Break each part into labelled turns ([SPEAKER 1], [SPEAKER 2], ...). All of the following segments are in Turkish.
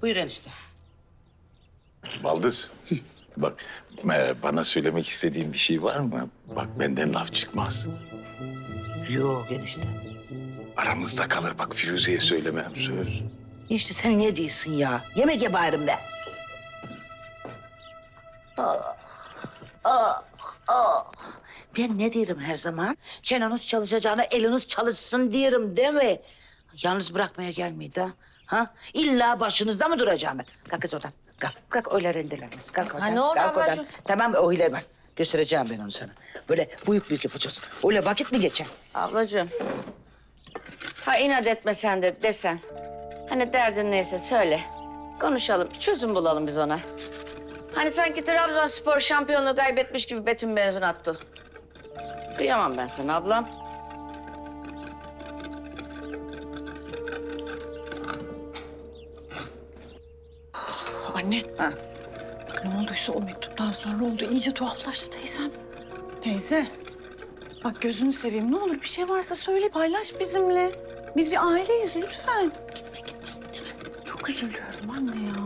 [SPEAKER 1] Buyur enişte.
[SPEAKER 2] Baldız. Bak bana söylemek istediğin bir şey var mı? Bak benden laf çıkmaz.
[SPEAKER 1] Yok enişte.
[SPEAKER 2] Aramızda kalır bak Firuze'ye söylemem söz.
[SPEAKER 1] Enişte sen ne diyorsun ya? Yemek yaparım ben. Ben ne diyorum her zaman? Çeneniz çalışacağına eliniz çalışsın diyorum değil mi? Yalnız bırakmaya gelmeydi ha? Ha? İlla başınızda mı duracağım ben? Kalk kız oradan. Kalk öyle rendelenmez. Kalk oradan.
[SPEAKER 3] ne oldu
[SPEAKER 1] kalk oradan.
[SPEAKER 3] ablacığım?
[SPEAKER 1] Tamam o ileri bak. Göstereceğim ben onu sana. Böyle büyük yapacağız. Öyle vakit mi geçer?
[SPEAKER 3] Ablacığım. Ha inat etme sen de desen. Hani derdin neyse söyle. Konuşalım, bir çözüm bulalım biz ona. Hani sanki Trabzonspor şampiyonluğu kaybetmiş gibi Betim benzin attı. Kıyamam ben sana ablam.
[SPEAKER 4] Anne,
[SPEAKER 3] Ha.
[SPEAKER 4] ne olduysa o mektuptan sonra oldu. İyice tuhaflaştı teyzem. Teyze, bak gözünü seveyim. Ne olur bir şey varsa söyle, paylaş bizimle. Biz bir aileyiz lütfen. Gitme. Çok üzülüyorum anne ya.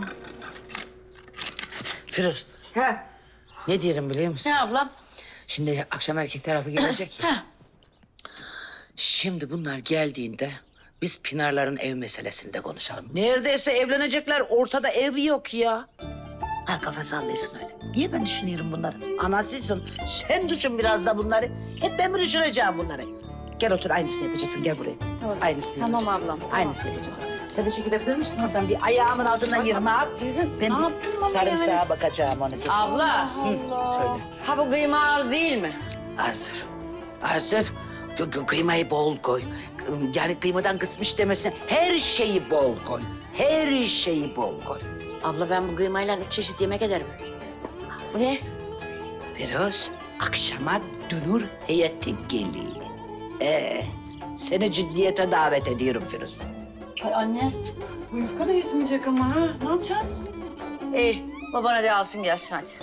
[SPEAKER 1] Firuz,
[SPEAKER 3] Ha.
[SPEAKER 1] ne diyorum biliyor musun?
[SPEAKER 3] Ne ablam?
[SPEAKER 1] Şimdi akşam erkek tarafı gelecek ya.
[SPEAKER 3] Ha.
[SPEAKER 1] Şimdi bunlar geldiğinde biz Pınar'ların ev meselesinde konuşalım. Neredeyse evlenecekler. Ortada ev yok ya. Ha kafa sallasın öyle. Niye ben düşünüyorum bunları? Anasısın. Sen düşün biraz da bunları. Hep ben mi düşüneceğim bunları? Gel otur aynısını yapacaksın. Gel buraya.
[SPEAKER 3] Tamam.
[SPEAKER 1] Aynısını
[SPEAKER 3] Tamam
[SPEAKER 1] yapacaksın.
[SPEAKER 3] ablam, tamam.
[SPEAKER 1] Aynısını yapacaksın. Sen de çekilebilir misin oradan bir ayağımın altından yırmak?
[SPEAKER 4] Teyze,
[SPEAKER 1] Ben
[SPEAKER 4] ne yaptın bana
[SPEAKER 1] sarımsağa
[SPEAKER 4] yani?
[SPEAKER 1] bakacağım onu.
[SPEAKER 3] Abla.
[SPEAKER 1] Söyle.
[SPEAKER 3] Ha bu kıyma az değil mi?
[SPEAKER 1] Azdır. Azdır. Kıymayı bol koy. Yani kıymadan kısmış demesin. Her şeyi bol koy. Her şeyi bol koy.
[SPEAKER 3] Abla ben bu kıymayla 3 çeşit yemek ederim. Bu ne?
[SPEAKER 1] Firuz, akşama dönür heyeti geliyor. Seni ciddiyete davet ediyorum Firuz.
[SPEAKER 4] Ay anne, bu yufka da yetmeyecek ama ha. Ne yapacağız?
[SPEAKER 3] İyi babana de alsın gelsin hadi.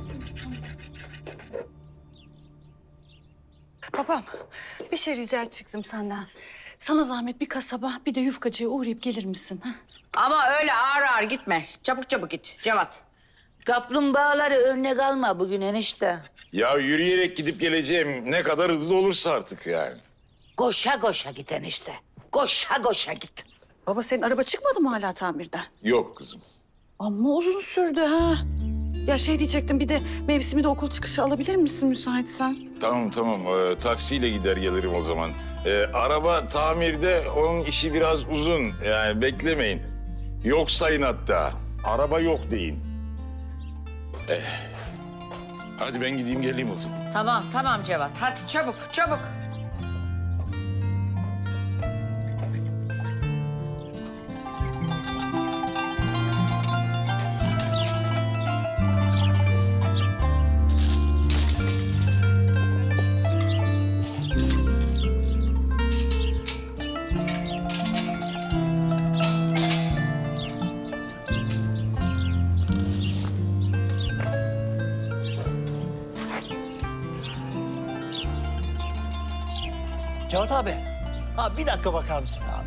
[SPEAKER 4] Babam, bir şey rica edecektim senden. Sana zahmet bir kasaba, bir de yufkacıya uğrayıp gelir misin? Ha?
[SPEAKER 3] Ama öyle ağır ağır gitme. Çabuk çabuk git Cevat.
[SPEAKER 1] Kaplumbağaları önüne kalma bugün enişte.
[SPEAKER 2] Ya yürüyerek gidip geleceğim ne kadar hızlı olursa artık yani.
[SPEAKER 1] Koşa koşa git enişte. Koşa git.
[SPEAKER 4] Baba senin araba çıkmadı mı hala tamirden?
[SPEAKER 2] Yok kızım.
[SPEAKER 4] Ama uzun sürdü ha. Ya şey diyecektim, bir de mevsimi de okul çıkışı alabilir misin müsaitsen?
[SPEAKER 2] Tamam taksiyle gider gelirim o zaman. Araba tamirde onun işi biraz uzun yani beklemeyin. Yok sayın hatta. Araba yok deyin. Hadi ben gideyim geleyim o zaman.
[SPEAKER 3] Tamam Cevat. Hadi çabuk.
[SPEAKER 5] Cevat abi. Abi bir dakika bakar mısın abi?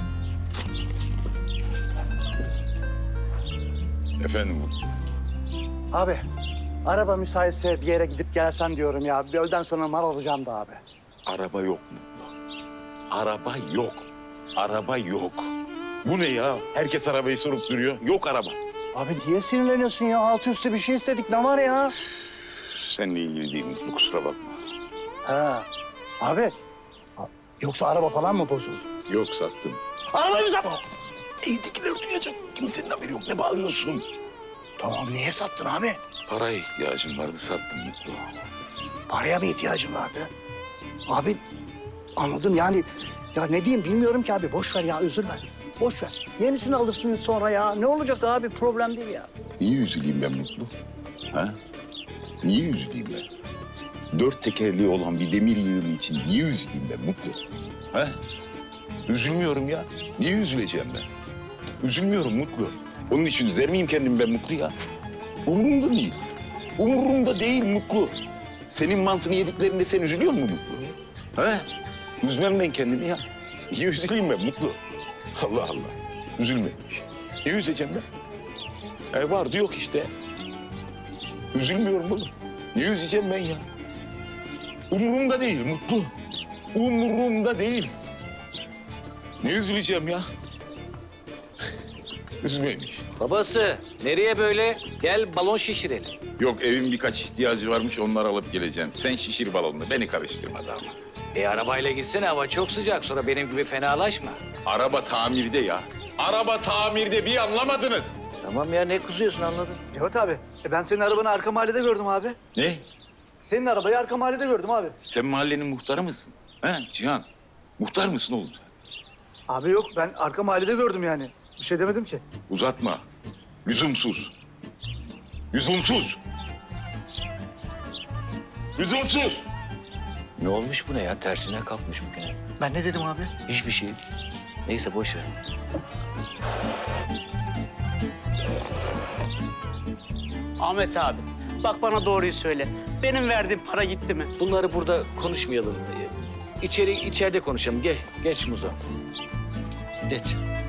[SPEAKER 2] Efendim
[SPEAKER 5] Abi araba müsaitse bir yere gidip gelsen diyorum ya. Bir öğleden sonra mal alacağım da abi.
[SPEAKER 2] araba yok Mutlu. Araba yok. Araba yok. Bu ne ya? Herkes arabayı sorup duruyor. Yok araba.
[SPEAKER 5] Abi niye sinirleniyorsun ya? Altı üstü bir şey istedik. Ne var ya?
[SPEAKER 2] Seninle ilgili değil Mutlu kusura bakma.
[SPEAKER 5] Ha. Abi. Yoksa araba falan mı bozuldu?
[SPEAKER 2] Yok sattım.
[SPEAKER 5] Arabayı mı sattın?
[SPEAKER 2] Evdekiler duyacak. Kimsenin haberi yok. Ne bağırıyorsun?
[SPEAKER 5] Tamam niye sattın abi?
[SPEAKER 2] Paraya ihtiyacım vardı sattım Mutlu.
[SPEAKER 5] Paraya mı ihtiyacın vardı? Abi anladım yani. Ya ne diyeyim bilmiyorum ki abi. Boş ver ya üzülme. Boş ver. Yenisini alırsınız sonra ya. Ne olacak abi? Problem değil ya.
[SPEAKER 2] Niye üzüleyim ben Mutlu? Ha? Niye üzüleyim ben? 4 tekerleği olan bir demir yığını için niye üzüleyim ben Mutlu? Ha? Üzülmüyorum ya. Niye üzüleceğim ben? Üzülmüyorum Mutlu. Onun için üzer miyim kendimi ben Mutlu ya? Umurumda değil. Umurumda değil Mutlu. Senin mantını yediklerinde sen üzülüyor musun Mutlu? Ha? Üzmem ben kendimi ya. Niye üzüleyim ben Mutlu? Allah Allah. Üzülmemiş. Niye üzeceğim ben? Vardı yok işte. Üzülmüyorum oğlum. Niye üzeceğim ben ya? Umurumda değil Mutlu. Umurumda değil. Ne üzüleceğim ya? Üzmeymiş.
[SPEAKER 6] Babası nereye böyle? Gel balon şişirelim.
[SPEAKER 2] Yok evin birkaç ihtiyacı varmış onları alıp geleceğim. Sen şişir balonunu beni karıştırma da ama.
[SPEAKER 6] Arabayla gitsene hava çok sıcak sonra benim gibi fenalaşma.
[SPEAKER 2] Araba tamirde ya. Araba tamirde bir anlamadınız.
[SPEAKER 6] Tamam ya ne kızıyorsun anladım.
[SPEAKER 7] Cevat abi, ben senin arabanı arka mahallede gördüm abi.
[SPEAKER 2] Ne?
[SPEAKER 7] Senin arabayı arka mahallede gördüm abi.
[SPEAKER 2] Sen mahallenin muhtarı mısın? He Cihan? Muhtar mısın oğlum sen?
[SPEAKER 7] Abi yok, ben arka mahallede gördüm yani. Bir şey demedim ki.
[SPEAKER 2] Uzatma. Lüzumsuz. Lüzumsuz. Lüzumsuz.
[SPEAKER 6] Ne olmuş bu ne ya tersine kalkmış bugün.
[SPEAKER 7] Ben ne dedim abi?
[SPEAKER 6] Hiçbir şey. Neyse boş ver.
[SPEAKER 8] Ahmet abi, bak bana doğruyu söyle. Benim verdiğim para gitti mi?
[SPEAKER 6] Bunları burada konuşmayalım. İçeride konuşalım. Geç Muzo. Geç.